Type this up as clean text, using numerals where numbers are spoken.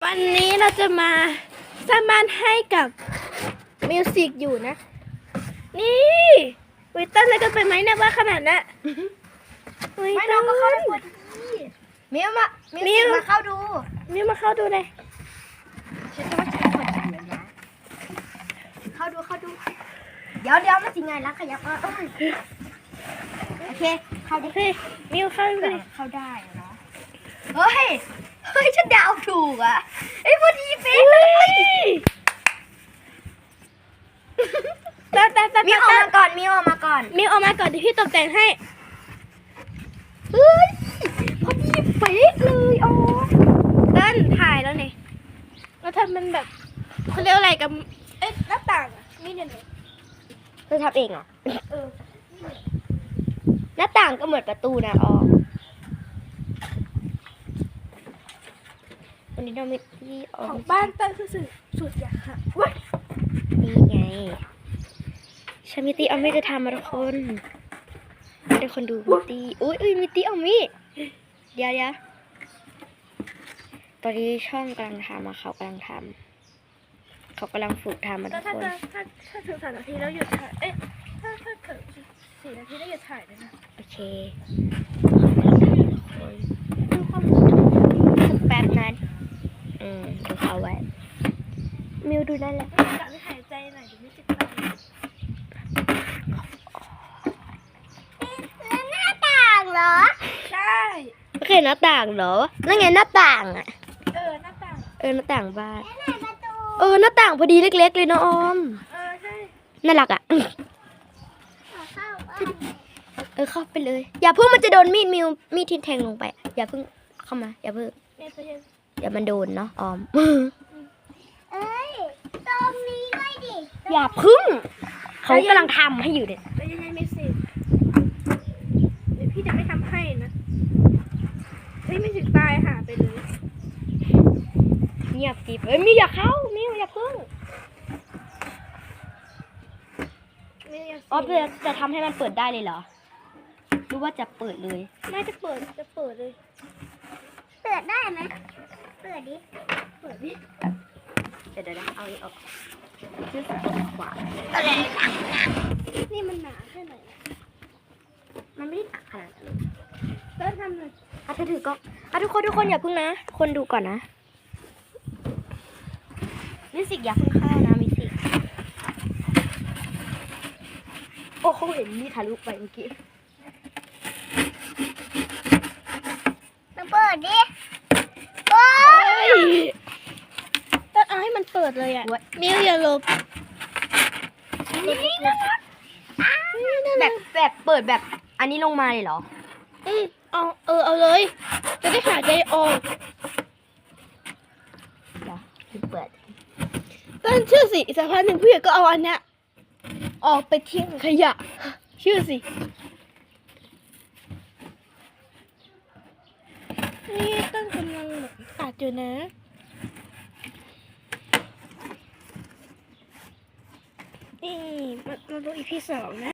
วันนี้เราจะมาสร้างบ้านให้กับมิวสิกอยู่นะนี่วิต้นอะไรกันไปไหมเนี่ยว่าขนาดนั้นไม่น้องก็เข้าได้พอดีมิวมาเข้าดูมิวมาเข้าดูเลยฉันจะว่าฉันเปิดอยู่นะเข้าดูเดี๋ยวมันสิไงล่ะขยับมาโอเคเข้าดิมิวเข้าดูเลยเข้าได้เนาะเฮ้ยฉันเดาถูกอ่ะไอ้พอดีเป๊ะมิวออกมาก่อนมิวออกมาก่อนเดี๋ยวพี่ตกแต่งให้เฮ้ยพอดีเป๊ะเลยอ๋อต้นถ่ายแล้วนี่แล้วทำมันแบบเขาเรียกอะไรกับหน้าต่างนี่เนี่ยเธอทำเองเหรอหน้าต่างก็เหมือนประตูนะอ๋อวันนี้เราไม่ที่ของบ้านต้นคือสุดอยากค่ะนี่ไงชามิตี้เอาไม่จะทำมาทุกคนให้ทุกคนดูมิตี้อุ้ยมิตี้เอามิเดี๋ยวตอนนี้ช่องกำลังทำเขากำลังฝึกทำมาทุกคนถ้าถึง3 นาทีแล้วหยุดถ่ายถ้าถึง4 นาทีแล้วหยุดถ่ายเลยนะโอเคดูความแป๊บนั้นดูเขาไว้มิวดูได้แล้วกะไม่หายใจหน่อยเดี๋ยวไม่ติดไฟหน้าต่างเหรอใช่โอเคหน้าต่างเหรอนั่นไงหน้าต่างอ่ะหน้าต่างหน้าต่างบ้านหน้าต่างพอดีเล็กๆเลยนะออมใช่น่ารักอ่ะเข้าไปเลยอย่าเพิ่งมันจะโดนมีดที่แทงลงไปอย่าเพิ่งเข้ามาอย่าเพิ่งเดี๋ยวมันโดนเนาะออมตรงนี้ด้วยดิอย่าพึ่งเขากำลังทำให้อยู่เนี่ยแล้วยังไงไม่สิเดี๋ยวพี่จะไม่ทำให้นะไม่ถึงตายหาไปเลยเงียบจีบมิวอย่าเข้ามิวอย่าพึ่งอ๋อจะทำให้มันเปิดได้เลยเหรอหรือว่าจะเปิดเลยไม่จะเปิดเลยเปิดได้ไหมเปิดดิเดี๋ยวเอาออกชื่อสดขวานี่มันหนาแค่ไหนมันไม่ได้หนาขนาดนั้นเริ่มทำเลยเธอถือก็ทุกคนอย่าพึ่งนะคนดูก่อนนะมิวสิกอย่าพึ่งเข้านะมิวสิกโอ้เขาเห็นนี่ทะลุไปเมื่อกี้เปิดดิต้องเอาให้มันเปิดเลยอ่ะมิวอย่าลบแบบเปิดแบบอันนี้ลงมาเลยเหรอเอาเลยจะได้หายใจออกเปิดต้นชื่อสิสักพักหนึ่งพี่ก็เอาอันเนี้ยออกไปทิ้งขยะชื่อสินี่ต้นกำลังตัดอยู่นะนี่มาดูอีพี2นะ